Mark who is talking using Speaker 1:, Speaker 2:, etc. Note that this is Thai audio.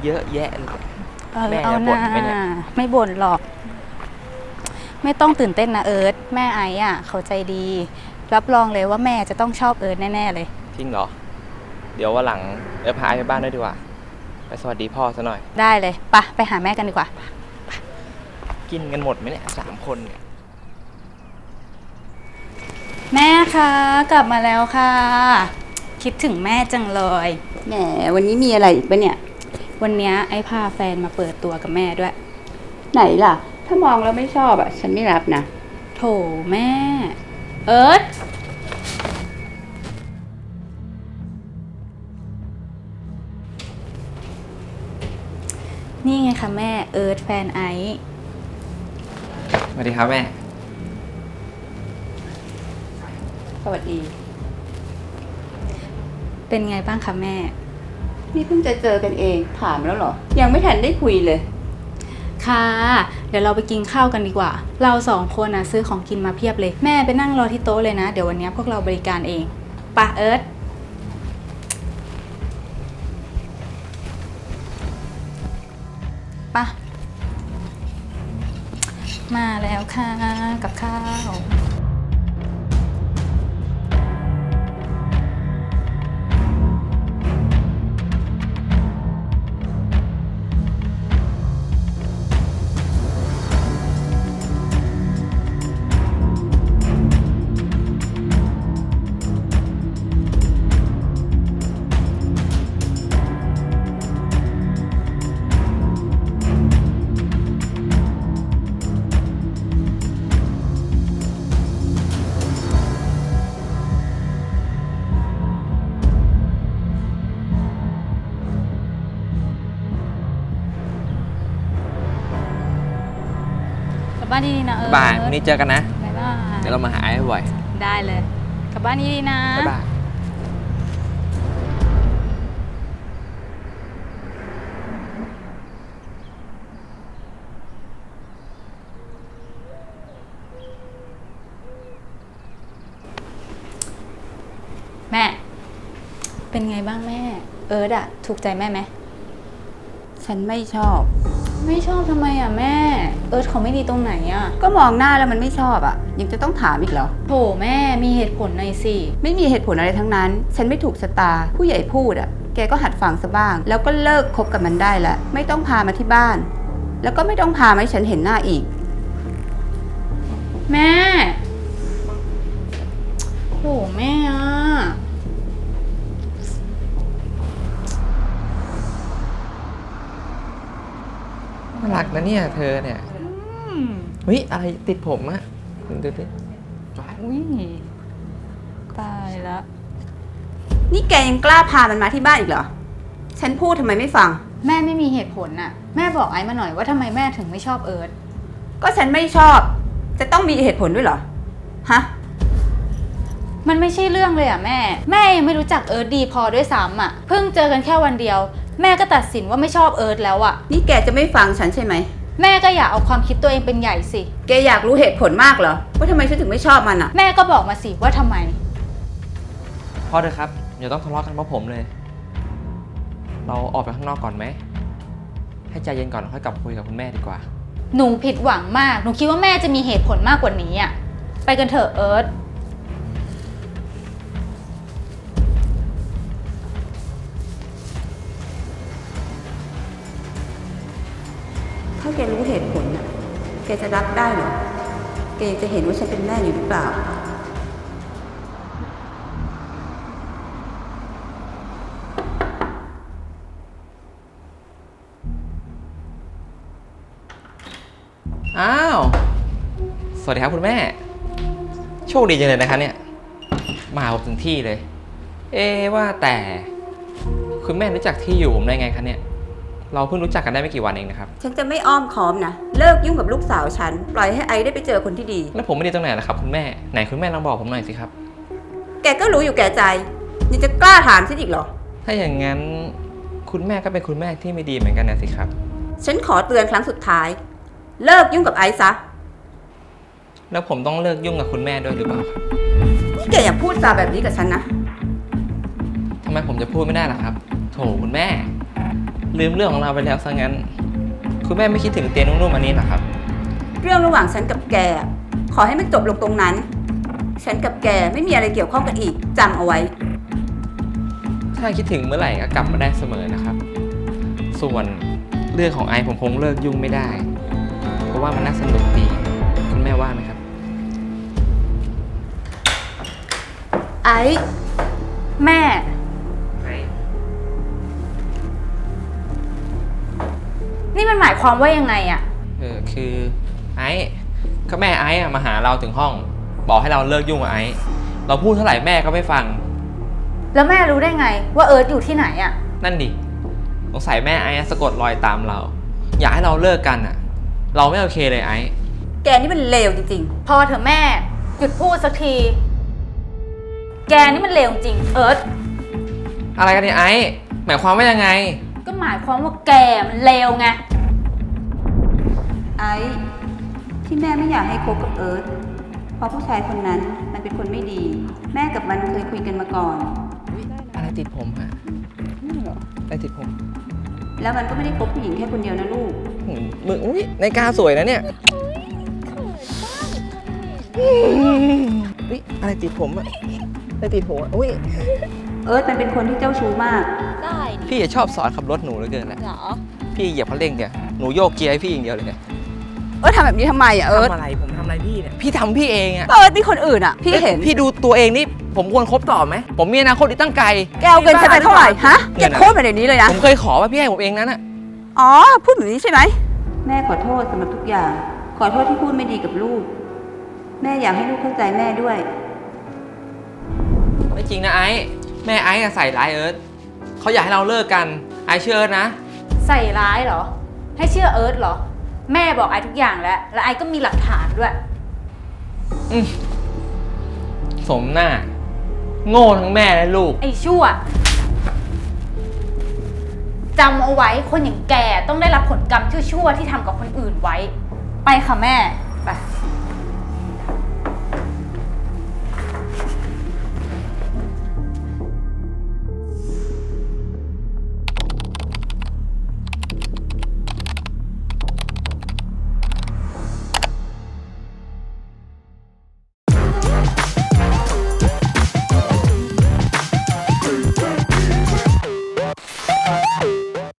Speaker 1: เยอะแยะเลยแม่
Speaker 2: เอา
Speaker 1: จะ
Speaker 2: หน้า
Speaker 1: บ่นไหมเนี่ย
Speaker 2: ไม่บ่นหรอกไม่ต้องตื่นเต้นนะเอิร์ธแม่ไอ้อ่ะเขาใจดีรับรองเลยว่าแม่จะต้องชอบเอิร์ธแน่ๆเลย
Speaker 1: จริงเหรอเดี๋ยววันหลังพาไอ้ไปบ้านด้วยดีกว่าไปสวัสดีพ่อซะหน่อย
Speaker 2: ได้เลยไปหาแม่กันดีกว่า
Speaker 1: กินกันหมดไหมเนี่ย3 คนเนี่ย
Speaker 2: แม่คะกลับมาแล้วค่ะคิดถึงแม่จังเลย
Speaker 3: แหมวันนี้มีอะไรอีกปะเนี่ย
Speaker 2: วันนี้ไอ้พาแฟนมาเปิดตัวกับแม่ด้วย
Speaker 3: ไหนล่ะถ้ามองแล้วไม่ชอบอ่ะฉันไม่รับนะ
Speaker 2: โถแม่เอิร์ธนี่ไงคะแม่เอิร์ธแฟนไอซ์
Speaker 1: สวัสดีครับแม่
Speaker 3: สวัสดี
Speaker 2: เป็นไงบ้างคะแม่
Speaker 3: นี่เพิ่งจะเจอกันเองถามแล้วเหรอยังไม่ทันได้คุยเลย
Speaker 2: ค่ะเดี๋ยวเราไปกินข้าวกันดีกว่าเรา2 คนนะซื้อของกินมาเพียบเลยแม่ไปนั่งรอที่โต๊ะเลยนะเดี๋ยววันนี้พวกเราบริการเองปะเอิร์ธปะมาแล้วค่ะกับข้าวกลับบ้านดีๆนะเอิร์ธ
Speaker 1: บ่ายวันนี้เจอกันนะ
Speaker 2: บ๊ายบาย
Speaker 1: เดี๋ยวเรามาหาไอ้บ่อย
Speaker 2: ได้เลยกลับบ้านดีๆนะ
Speaker 1: บ๊ายบาย
Speaker 2: แม่เป็นไงบ้างแม่เอิร์ธอะถูกใจแม่ไหม
Speaker 3: ฉันไม่ชอบ
Speaker 2: ไม่ชอบทำไมอะแม่เอิร์ธเขาไม่ดีตรงไหนอะ
Speaker 3: ก็มองหน้าแล้วมันไม่ชอบอ่ะยังจะต้องถามอีกเหรอ
Speaker 2: โถแม่มีเหตุผลหน่อยสิ
Speaker 3: ไม่มีเหตุผลอะไรทั้งนั้นฉันไม่ถูกชะตาผู้ใหญ่พูดอ่ะแกก็หัดฟังซะบ้างแล้วก็เลิกคบกับมันได้แล้วไม่ต้องพามาที่บ้านแล้วก็ไม่ต้องพามาให้ฉันเห็นหน้าอีก
Speaker 2: แม่โถแม่อะ
Speaker 1: น่ารักนะเนี่ยเธอเนี่ยเฮ้ยอะไรติดผมอะดูดิ
Speaker 2: อุ้ยตายแล้ว
Speaker 3: นี่แกยังกล้าพามันมาที่บ้านอีกเหรอฉันพูดทำไมไม่ฟัง
Speaker 2: แม่ไม่มีเหตุผลน่ะแม่บอกไอ้มาหน่อยว่าทำไมแม่ถึงไม่ชอบเอิร์ธ
Speaker 3: ก็ฉันไม่ชอบจะต้องมีเหตุผลด้วยเหรอฮะ
Speaker 2: มันไม่ใช่เรื่องเลยอ่ะแม่ยังไม่รู้จักเอิร์ธดีพอด้วยซ้ำอ่ะเพิ่งเจอกันแค่วันเดียวแม่ก็ตัดสินว่าไม่ชอบเอิร์ธแล้วอ่ะ
Speaker 3: นี่แกจะไม่ฟังฉันใช่ไหม
Speaker 2: แม่ก็อย่าเอาความคิดตัวเองเป็นใหญ่สิ
Speaker 3: แกอยากรู้เหตุผลมากเหรอว่าทำไมฉันถึงไม่ชอบมันอ่ะ
Speaker 2: แม่ก็บอกมาสิว่าทำไม
Speaker 1: พ่อเถอะครับอย่าต้องทะเลาะกันเพราะผมเลยเราออกไปข้างนอกก่อนไหมให้ใจเย็นก่อนค่อยกลับคุยกับคุณแม่ดีกว่า
Speaker 2: หนูผิดหวังมากหนูคิดว่าแม่จะมีเหตุผลมากกว่านี้อ่ะไปกันเถอะเอิร์ธ
Speaker 3: ถ้าแกรู้เหตุผลน่ะแกจะรับได้เหรอแกยังจะเห็นว่าฉันเป็นแม่อยู่หรือเปล่า
Speaker 1: อ้าวสวัสดีครับคุณแม่โชคดีจังเลยนะคะเนี่ยมาผมถึงที่เลยว่าแต่คุณแม่รู้จักที่อยู่ผมได้ไงคะเนี่ยเราเพิ่งรู้จักกันได้ไม่กี่วันเองนะครับ
Speaker 3: ฉันจะไม่อ้อมค้อมนะเลิกยุ่งกับลูกสาวฉันปล่อยให้ไอได้ไปเจอคนที่ดี
Speaker 1: แล้วผมไม่ดีตรงไหนล่ะครับคุณแม่ไหนคุณแม่ลองบอกผมหน่อยสิครับ
Speaker 3: แกก็รู้อยู่แก่ใจยังจะกล้าถามฉันอีกเหรอ
Speaker 1: ถ้าอย่างนั้นคุณแม่ก็เป็นคุณแม่ที่ไม่ดีเหมือนกันนะสิครับ
Speaker 3: ฉันขอเตือนครั้งสุดท้ายเลิกยุ่งกับไอซ์ซะ
Speaker 1: แล้วผมต้องเลิกยุ่งกับคุณแม่ด้วยหรือเปล่าครับ
Speaker 3: นี่แกอย่าพูดจาแบบนี้กับฉันนะ
Speaker 1: ทำไมผมจะพูดไม่ได้ล่ะครับโถคุณแม่ลืมเรื่องของเราไปแล้วซะงั้น คุณแม่ไม่คิดถึงเตียงนุ่มๆอันนี้เหรอครับ
Speaker 3: เรื่องระหว่างฉันกับแก ขอให้มันจบลงตรงนั้น ฉันกับแกไม่มีอะไรเกี่ยวข้องกันอีกจำเอาไว้
Speaker 1: ถ้าคิดถึงเมื่อไหร่ก็กลับมาได้เสมอนะครับ ส่วนเรื่องของไอซ์ผมคงเลิกยุ่งไม่ได้ เพราะว่ามันน่าสนุกดี คุณแม่ว่าไหมครับ
Speaker 3: ไอ้
Speaker 2: แม่ นี่มันหมายความว่ายังไงอะ
Speaker 1: คือไอซ์ก็แม่ไอซ์อะมาหาเราถึงห้อง บอกให้เราเลิกยุ่งกับไอซ์เราพูดเท่าไหร่แม่ก็ไม่ฟัง
Speaker 2: แล้วแม่รู้ได้ไงว่าเอิร์ธอยู่ที่ไหนอะ
Speaker 1: นั่นดิสงสัยแม่ไอซ์อะสะกดรอยตามเรา อยากให้เราเลิกกันอ่ะ เราไม่โอเคเลยไอซ์
Speaker 3: แกนี่มันเลวจริง
Speaker 2: พอเถอะแม่หยุดพูดสักที แกนี่มันเลวจริงเอิร์ธ
Speaker 1: อะไรกันเนี่ยไอซ์หมายความว่ายังไง
Speaker 2: ก็หมายความว่าแกมันเลวไง
Speaker 3: ๆ ไอ้ที่แม่ไม่อยากให้คบกับเอิร์ธเพราะผู้ชายคนนั้นมันเป็นคนไม่ดี แม่กับมันเคยคุยกันมาก่อน
Speaker 1: อะไรติดผมฮะอะไรติดผม
Speaker 3: แล้วมันก็ไม่ได้คบผู้หญิงแค่คนเดียวนะลูก
Speaker 1: มึงอุ้ยนาฬิกาสวยนะเนี่ยอุ้ยอะไรติดผมอะอะไรติดผมอะอุ้ย
Speaker 3: เอิร์ธมันเป็นคนที่เจ้าชู้มาก
Speaker 4: ได้ดิ
Speaker 1: พี่ชอบสอนขับรถหนูเหลือเกินแหละ
Speaker 4: เหรอ
Speaker 1: พี่เหยียบคันเร่งเนี่ยหนูโยกเกียร์ให้พี่อย่างเดียวเลยเนี่ย
Speaker 3: เอิร์ธทำแบบนี้ทำไมอ่ะเอิร์ธ
Speaker 1: ทำอะไรผมทำอะไรพี่เนี่ยพี่ทำพี่เองอะ
Speaker 3: เอิร์ธมีคนอื่นอ่ะ พี่เห็น
Speaker 1: พี่ดูตัวเองนี่ผมควรคบต่อไหมผมมีอนาคตอีกตั้งไกล
Speaker 3: แกเอาเงินฉันไปเท่าไหร่ฮะ
Speaker 1: เงิ
Speaker 3: แก
Speaker 1: นอะไร
Speaker 3: โคตรมาเดี๋ยวนี้เลยนะ
Speaker 1: ผมเคยขอว่าพี่ให้ผมเองนั้นอะ
Speaker 3: อ๋อ พูดแบบนี้ใช่ไหม แม่ขอโทษสำหรับทุกอย่าง ขอโทษที่พูดไม่ดีกับลูก แม่อยากให้ลูกเข้าใจแม่ด้วย
Speaker 1: ไม่จริงนะไอ้แม่ไอ้อะใส่ร้ายเอิร์ธเขาอยากให้เราเลิกกันไอ้เชื่อเอิร์ธนะ
Speaker 2: ใส่ร้ายเหรอ ให้เชื่อเอิร์ธเหรอ แม่บอกไอ้ทุกอย่างแล้ว และไอ้ก็มีหลักฐานด้วย
Speaker 1: สมหน้า โง่ทั้งแม่และลูก
Speaker 2: ไอ้ชั่วจำเอาไว้คนอย่างแกต้องได้รับผลกรรมชั่วๆที่ทำกับคนอื่นไว้ ไปค่ะแม่
Speaker 3: ไป